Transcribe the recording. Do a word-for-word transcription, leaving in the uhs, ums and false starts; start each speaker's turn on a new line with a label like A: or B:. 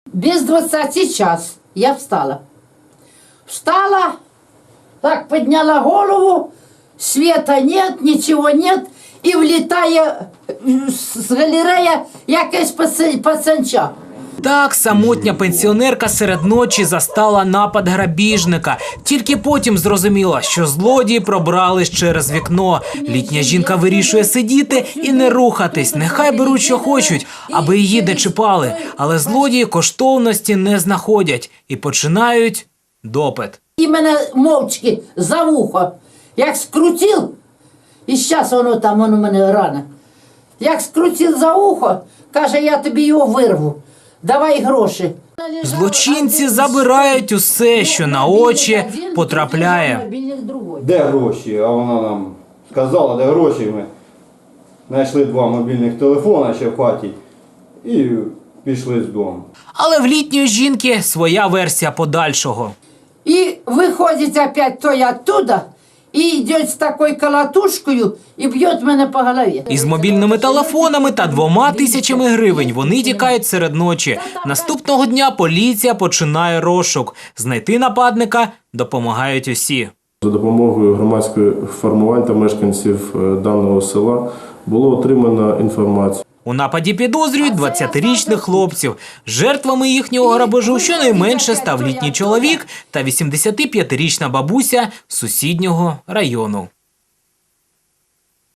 A: Без двадцати час я встала. Встала, так подняла голову, света нет, ничего нет, и влетає з галереї якась пацанча.
B: Так, самотня пенсіонерка серед ночі застала напад грабіжника. Тільки потім зрозуміла, що злодії пробрались через вікно. Літня жінка вирішує сидіти і не рухатись. Нехай беруть, що хочуть, аби її не чіпали. Але злодії коштовності не знаходять і починають допит.
A: І мене мовчки за вухо, як скрутив, і зараз воно там, воно мене рана. Як скрутив за ухо, каже, я тобі його вирву. Давай гроші.
B: Злочинці забирають усе, що на очі потрапляє.
C: Де гроші? А вона нам сказала, де гроші. Ми знайшли два мобільних телефона ще в хаті і пішли з дому.
B: Але в літньої жінки своя версія подальшого.
A: І виходить опять той оттуда, і йде з такою колотушкою і б'є мене по голові.
B: Із мобільними телефонами та двома тисячами гривень вони тікають серед ночі. Наступного дня поліція починає розшук. Знайти нападника допомагають усі.
D: За допомогою громадських формувань та мешканців даного села було отримано інформацію.
B: У нападі підозрюють двадцятирічних хлопців. Жертвами їхнього грабежу щонайменше став літній чоловік та вісімдесятип'ятирічна бабуся з сусіднього району.